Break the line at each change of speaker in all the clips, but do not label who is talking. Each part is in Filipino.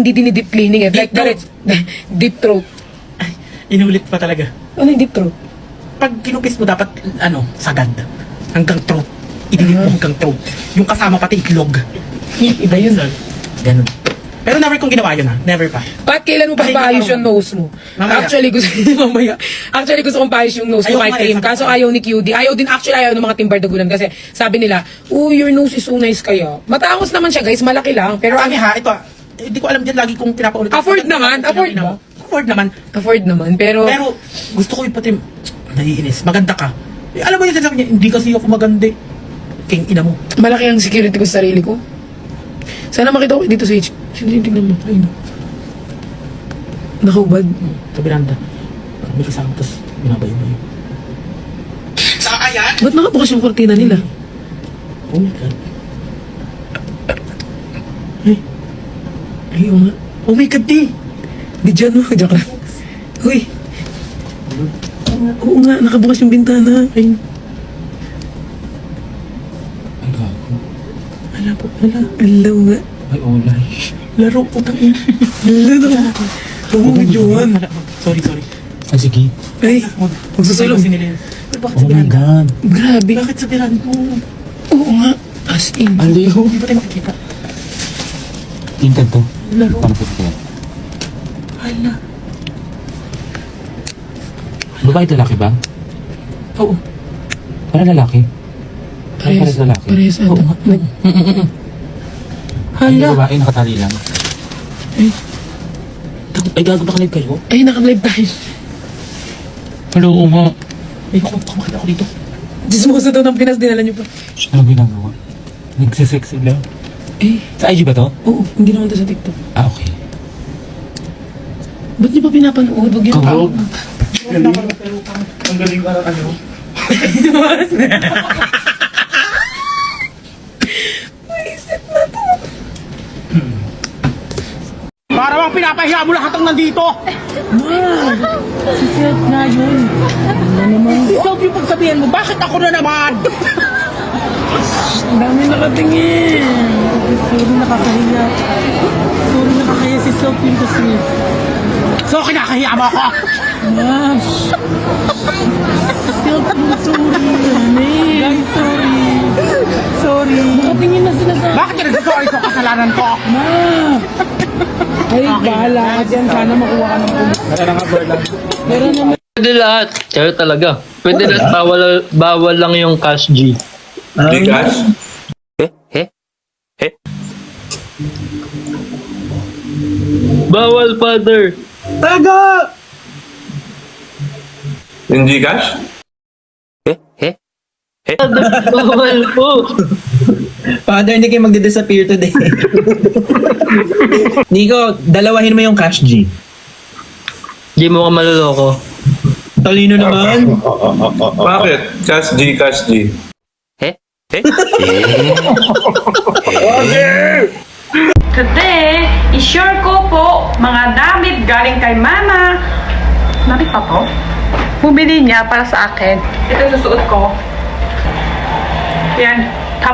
Hindi dinidip cleaning eh. Like, direct, deep throat.
Inulit pa talaga.
Ano yung deep throat?
Pag kinupis mo dapat, sagad. Hanggang throat. Idinip mo hanggang throat. Yung kasama pati itlog.
Iba yun.
Ganun. Pero never kong ginawa yun Never pa.
Bakit kailan mo pa paayos yung nose mo?
Mamaya.
Actually, gusto kong paayos yung nose ko
Ayoko
kay
nga
Trim.
eh,
Kaso ayaw ni QD. Ayaw din ng mga timbardagulan kasi sabi nila, your nose is so nice kaya. Matangos naman siya guys, malaki lang. Pero
Pero ito hindi ko alam din lagi kong pinapaulit.
Afford naman, afford ba?
Afford naman.
Pero
Gusto ko yung pati, naiinis, maganda ka. Alam mo yung sinasabi niya, hindi kasi ako maganda. King ina mo.
malaki ang security ko sa sarili ko. Sana makita ko dito sa HQ. Tingnan mo. Ayun. Nakahubad.
Sa biranda. May kasama, tapos binabayo mo yun. Sa ayan?
Ba't nakabukas yung kortina nila?
Oh my God.
Ay, oo nga.
Oh my God, di.
Di dyan mo. Joke lang. Uy. Oo nga, nakabukas yung bintana. Ayun.
Ay, gago.
Wala po, wala. Alaw nga.
Ay, olay. Laro, putang ina.
Wala na. Huwag mo videohan.
Sorry.
Ay, sige.
Ay, magsusulong.
Bakit
Oh
sa
my
biranda?
God.
Grabe.
Bakit sa biranda mo?
Oo nga. As in.
Aliw.
Hindi ba tayo makikita?
Tingkad to.
Laro.
Paano po ito?
Hala.
Babae at lalaki ba?
Oo.
Para lalaki. Parehas lalaki.
Parehas ata.
Oo nga.
Ay,
Hala.
babae nakatali lang.
Ay, gago ba kanil kayo?
Ay, naka-live tayo.
Hello, nga.
Ay, baka makita ko dito.
Dismosa daw ng Pinas, dinala niyo pa.
Ano ginagawa? Nagsisexy lang.
Eh,
Sa IG ba to?
oo, hindi naman to sa TikTok.
Ah, okay.
Ba't niyo pa pinapanood? Huwag yun.
Kabog.
Ang galing parang ano. Para bang pinapahiya mo lahat ang nandito.
Si Silk na yun.
Si Sob yung pagsabihan mo, bakit ako na naman?
Ang dami nakatingin. Sorry, nakakahiya. Sorry, nakakahiya si Silk yung kasi.
So, kinakahiya mo ako.
Gosh. Silk yung sorry. Guys, sorry. Sorry. Nakatingin na sila sa...
Bakit ka nagsasorry sa kasalanan ko?
Ma! Ay, bahala ka dyan. Sana makuha ka ng pulis. Pero naman...
Pwede lahat. Kaya talaga. Pwede lahat. Bawal lang yung cash G.
Gcash?
Bawal, father.
Yung Gcash?
Father, bawal po.
Father, hindi kayo magdi-disappear today. Nico, dalawahin mo yung cash G.
Di mo ka maluloko.
Talino naman.
Bakit? Cash G, Cash G.
Today, i-share ko po mga damit galing kay Mama. Damit pa po? Bumili niya para sa akin. Ito susuot ko. Yan. Top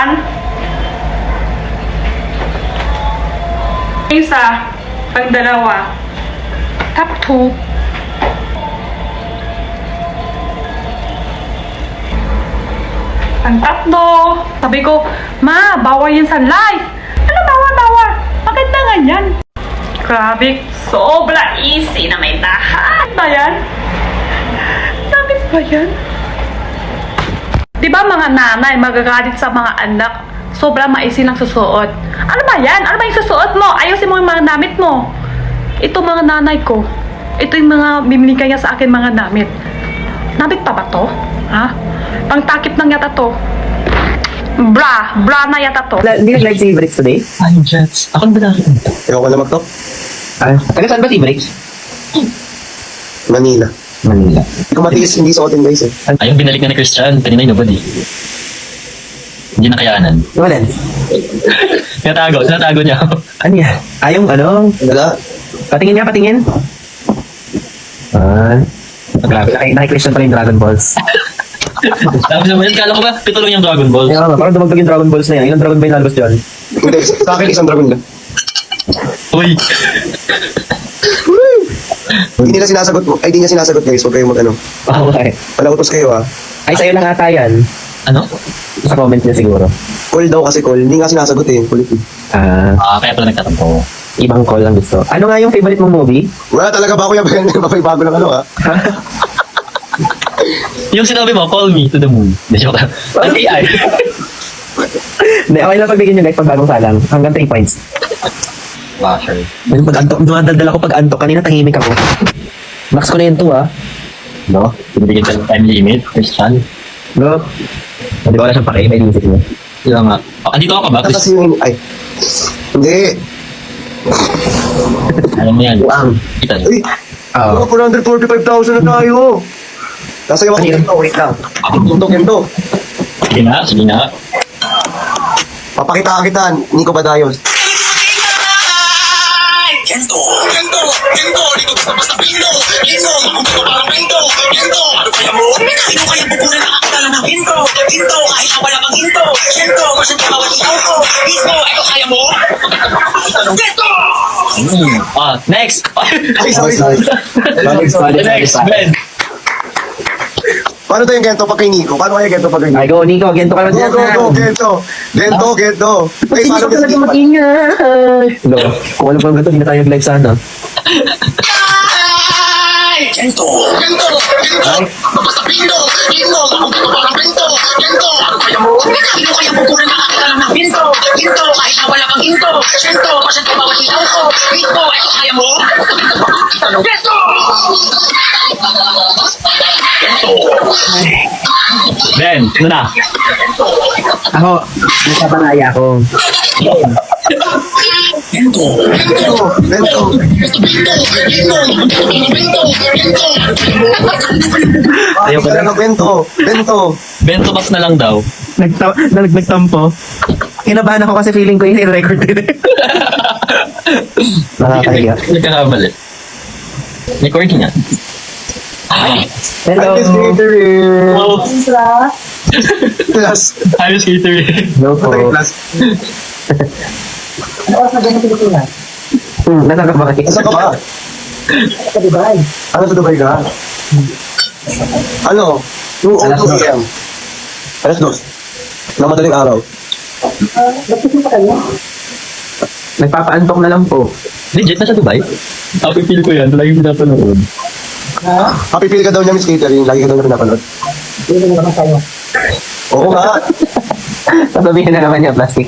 1. Isa. Pang dalawa. Top 2. Ang tatlo. Sabi ko, Ma, bawal yan sa live. Ano bawal? Bakit na ganyan? Grabe, sobra easy na may dahan. Ba yan? Sabi ba yan? Di ba mga nanay magagalit sa mga anak? Sobra maisi lang susuot. Ano ba yan? Ano ba yung susuot mo? Ayusin mo yung mga damit mo. Ito mga nanay ko. Ito yung mga bibigay niya sa akin mga damit. Damit pa ba to? Ha? Pangtakip ng yata to. Bra na yata to.
Hindi nag-live si Bricks today?
Ay, Jets. Ako na ba nakikita?
Ewan ko na mag-talk.
Taga saan ba si Bricks?
Manila.
Manila.
Hindi ko matiis hindi suotin guys eh.
Ay, yung binalik na ni Christian. Kanina yung nobody. Hindi nakayanan.
Wala.
Tinatago niya.
Ano yan? Yung ano?
Wala.
Patingin niya, patingin. Grabe, naki-Christian pa yung Dragon Balls.
Tapos naman, kala ko ba, pito lang yung Dragon Ball.
Parang dumagdag yung Dragon Balls na yan. Ilang Dragon ba yung nalabas dyan?
Hindi, sa akin isang dragon lang.
Uy.
Hindi nila sinasagot mo. Ay, di niya sinasagot guys. Huwag kayong mag-ano.
Okay.
Palautos kayo ah.
Ay, sa'yo lang ata yan.
Ano?
Sa comments niya siguro.
Call daw kasi call. Hindi nga sinasagot eh. Kulit eh.
Kaya pala nagtatampo.
Ibang call lang gusto. Ano nga yung favorite mong movie?
Wala talaga ba kuya Ben? Bago lang ano ah.
Yung sinabi mo, call me to the moon. Hindi, joke lang. Ang AI.
Hindi, okay lang pagbigyan nyo guys pag bagong salang. Hanggang 3 points.
Wow, sure.
Yung pag-antok, dumadaldal ako pag-antok. Kanina tahimik ako. Max ko na yun to ah.
No? Binibigyan ka ng time limit, Christian.
No? Hindi ko wala siyang pake, may music niya.
Yun nga. Andito ako ba?
Kasi yung... Ay. Hindi.
Alam mo yan.
Wow.
Kita niyo.
Uy.
Oo.
445,000 na tayo. Nasa yung ako. Wait lang. Ito.
Sige na, sige na.
Papakita kita. Nico Badayos.
Next!
Ay, sorry.
Next, Ben!
Paano tayo yung gento pag kay Nico? Paano kaya gento pag kay
Ay,
Nico?
go Nico, gento ka na dyan.
Go, gento. Gento. Ay, paano
Hindi
kasi
ka mag-ingay. No, kung alam ko lang ganito, hindi na tayo live sana.
Ben, ano na?
Ako, nasa banaya ko.
Gento.
Ayaw ko na.
Bento.
Bento box na lang daw.
Nagtampo. Kinabahan ako kasi feeling ko yung record din. Nakakahiya.
Nagkakamali. Recording nga.
Hello.
Oh,
Plus.
ayos catering.
Hello po.
Plus.
Nasa ka ba?
Nasa ka ba?
Sa Dubai.
Ano sa Dubai ka? Ano? 2
Alas 2
a.m. Alas 2. Na madaling araw.
Nagpapaantok na lang po.
Legit na sa Dubai? Happy feel ko yan. Lagi ko napanood.
Happy feel ka daw niya, Miss Catering. Lagi ka daw niya pinapanood. Oo nga.
Sasabihin na naman niya, plastic.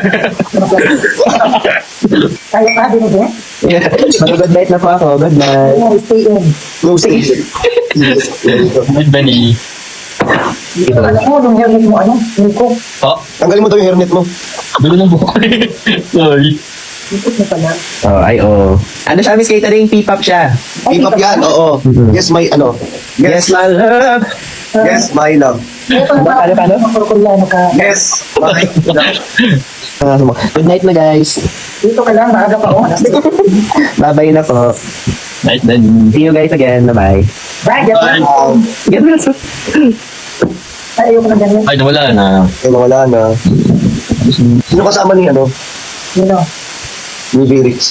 Kaya pa din again?
Yeah. Mag-good night na po ako. Good night.
No, stay in.
No, stay.
Good Benny.
Alam mo, nung hairnet mo, ano? Nico,
Oh,
Tanggalin mo daw yung hairnet mo.
dulo ng buhok. Sorry.
Nico na pala.
Oh, ay, oh. Ano siya, Miss Catering? P-pop siya.
P-pop yan, oo. Yes, my, ano.
Yes, my love.
Yes, my love.
Paano?
Koreano ka.
Yes, my love.
Good night na, guys.
Dito ka lang, maaga pa ako.
Bye-bye na po.
Night then.
See you guys again. Bye-bye.
Bye, get
Bye.
Get well.
Ay, ayoko na ganyan.
Ay, nawala na.
Ay, wala na. Sino kasama ni, ano?
You know.
Ni Virix?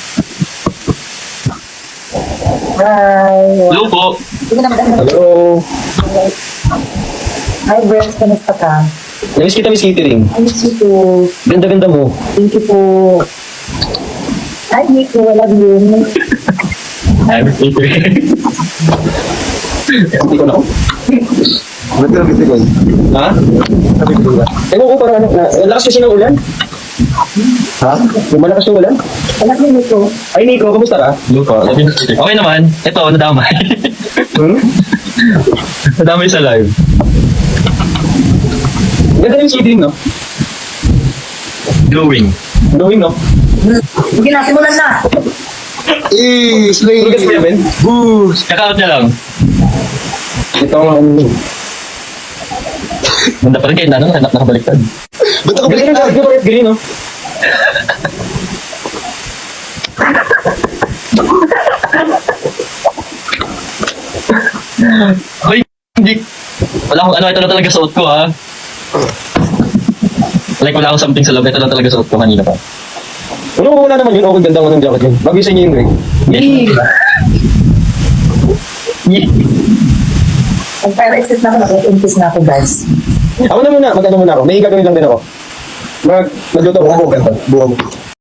Bye.
Hello po.
Sige na, maganda.
Hello.
Hi, Brent. Kamusta ka?
Namiss kita, Miss Catering.
I miss you too.
Ganda-ganda mo.
Thank you po. Hi, Nico. I love you.
I'm catering.
Hindi ko na.
Ba't ka nabitigan?
Ha? Ewan ko parang lakas kasi ng ulan. Ha? Lumalakas ng ulan?
I love you, Nico.
Ay, Nico, kamusta ka?
Hello po. Okay naman. Ito, nadamay. Nadamay sa live.
Ganda yung catering, no?
Glowing.
Going, no?
Sige na, simulan na.
Slay!
Lugas mo yan, Ben?
Boo!
Check out niya lang.
Ito ang...
Ganda pa rin kayo na nakabaliktad.
Ba't ako
Galing
baliktad?
na parehas green, no?
Hoy, hindi. Wala akong ano, ito na talaga suot ko ha. Like wala akong something sa loob, ito na talaga suot ko kanina pa.
Unang-una naman yun, okay, ganda mo ng jacket yun. Bagay sa inyo yung Greg.
Magpara-exit na ako, nag-impis na ako, guys.
Ako na muna, mag-ano muna ako. May gagawin lang din ako. Magluto ako.
Buha mo.